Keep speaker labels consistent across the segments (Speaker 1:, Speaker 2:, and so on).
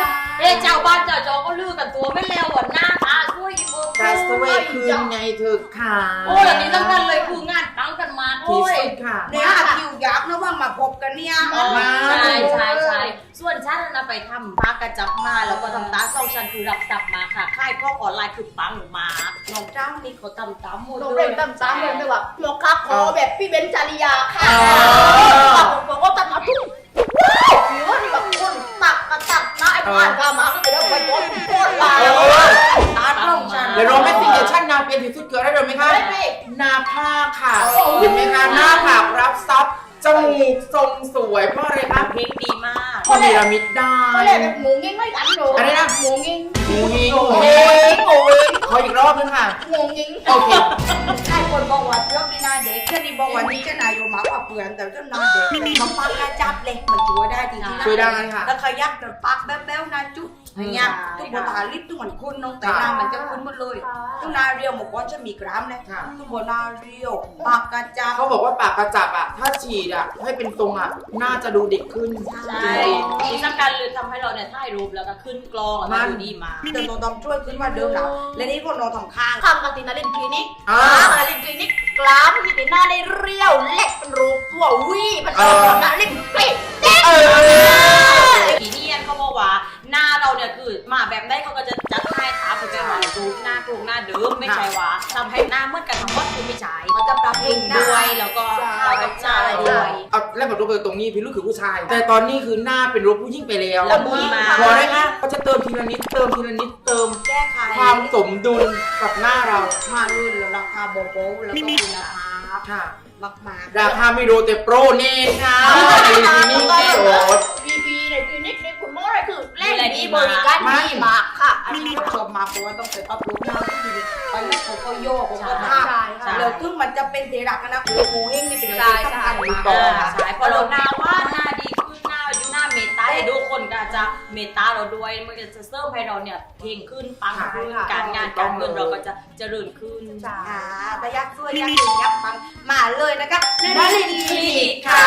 Speaker 1: เจ้าบ้านเจ้าจอก็ลือกันตัวไม่แล้วหน้าตาช่วยอีเบอร์
Speaker 2: แต่สเวทคืนไงเธอค่ะ
Speaker 1: โอ้ยอันนี้สำคัญเลยคืองานตั้งกันมา
Speaker 2: ที่
Speaker 1: โอ้ย
Speaker 2: สุดค่ะ
Speaker 3: เนี่ยคิวยักษ์นะว่ามาพบกันเนี่ย
Speaker 1: ใช่ส่วนฉันนะไปทำปากระจับมาแล้วก็ทำตาเศร้าฉันคือรับสับมาค่ะค่ายข้อออนไลน์คือปังมาน้องเจ้านี่เขาทำตามหมด
Speaker 4: โรง
Speaker 1: เล
Speaker 4: เรีย
Speaker 1: ย
Speaker 4: นตามเลยไม่ว่าหมอคักขอแบบพี่เบนจาริยาค่ะบอกว่าตัดมาทุกผิวนี่แบบคนตักนะไอ้ผ่านกามาก็เลยไปโดนโคตรลายตาตรงฉัน
Speaker 2: เดี๋ยวเราไม่ติดเดี๋ยวชั่นนาเป็นที่สุดเกิดได้เลยไหมคะ
Speaker 4: ได้ไหม
Speaker 2: หน้าผากค่ะเห็นไหมคะหน้าผากรับซับจมูกทรงสวยเพราะอะไรคะ
Speaker 1: เพลงดีมาก
Speaker 2: พอเนรมิตได้
Speaker 4: ก็เลยแบบหมูงิ้งไม่กันหนู
Speaker 2: อะไรนะ
Speaker 4: หมูงิ้ง
Speaker 2: หมูหิงหมูหิงขออีกรอบนึงค่ะ
Speaker 4: หมูงิ้ง
Speaker 2: โอเค
Speaker 3: ใช่คนบอกว่าเรื่องนี้นาเด็กแค่นี้บอกว่านี่จะนายโยมากกว่าเพื่อนแต่เจ้านาเด็กมันปักกระจับเลยมันช่วยได้จริงๆนะ
Speaker 2: ช่วยได้ค่ะ
Speaker 3: แล้วขยักแต่ปักแบ๊วๆนาจุดอย่างเงี้ยทุกบนตาลิปทุกคนคุณน้องแต่หน้ามันจะคุ้นหมดเลยทุกนาเรียวบอกว่าจะมีกรามเลย
Speaker 2: ค่ะ
Speaker 3: ทุกบนนาเรียวปากกระจับ
Speaker 2: เขาบอกว่าปากกระจับอ่ะ ถ้าฉีดอ่ะ ให้เป็นทรงอ่ะ น่าจะดูเด็กขึ้น
Speaker 1: ใช่ที่สำคัญเลยทำให้เราเนี่ยถ่ายรูปแล้วก็ขึ้นกลองแล้วก็ดูดีมา
Speaker 3: เดินต้องช่วยขึ้นว่าเดิมแล้วและนี่พวกน้องทำข้าง
Speaker 4: ทำกันตินาลินคลินิก
Speaker 2: อ่า
Speaker 4: นาลินคลินิกกล้ามที่ติหน้าได้เรียวเล็กเป็นรูปตัววีมันจะนาลินเป๊ะ
Speaker 1: ทีนี้เขาบอกว่าหน้าเราเนี่ยคือมาแบบได้เขาก็จะจัดให้ถามคุณแม่ว่ารูปหน้าตรงหน้าเดิมไม่ใช่ว่าทำให้หน้าเหมือนกันทั้งหมดคือไม่ใช่
Speaker 3: มันจะปรับเอ
Speaker 1: เอง
Speaker 3: งได้
Speaker 1: ด้วยแล้วก็เข้ากับหน้าเราด้วย
Speaker 2: เอาแล้วแบบรูปตรงนี้พี่ลูกคือผู้ชาย แต่ตอนนี้คือหน้าเป็นรูปผู้หญิงไปแล้ว
Speaker 1: แล้วมุ้ยมา
Speaker 2: พอได้ไหมเขาจะเติมทีละนิดเติมทีละนิดเติม
Speaker 3: แก้ไข
Speaker 2: ความสมดุลกับหน้าเรา
Speaker 3: มารุ่นแล้วราคาโบโบแล้วก็คุณภาพ
Speaker 2: ค่ะ
Speaker 3: มาก
Speaker 2: ราคาไม่โดแต่โปรเน่ค่ะนี่โสด
Speaker 4: พีในคลินิกนี่คุณหมออะไรคือแรกนี้บริการดีมากค่ะ
Speaker 3: อันนี้ก็ชมมาเพราะว่าต้องไปอัพรูปหน้าที่ดีไปแล้วเขาก็โยกเขาก็
Speaker 1: ใช่
Speaker 3: ท่า
Speaker 4: ใช่
Speaker 3: แล้วถึงมันจะเป็นเทรักนะโอ้โหเฮงนี่เป็นอะไรสำคัญมาก
Speaker 1: ใช่พอเราหน้าว่าหน้าดีขึ้นหน้าอยู่หน้าเมตตาให้ทุกคนก็จะเมตตาเราด้วยมันก็จะเสริมให้เราเนี่ยเพลงขึ้นปังขึ้นการงานการเงินเราก็จะเจริญขึ้น
Speaker 3: แต่ยักษ์ช่วยยักษ์หนึ่งยักษ์ปังมาเลยนะคะ
Speaker 1: นาลินคลินิกค่ะ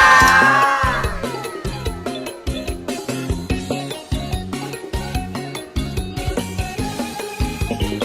Speaker 3: ค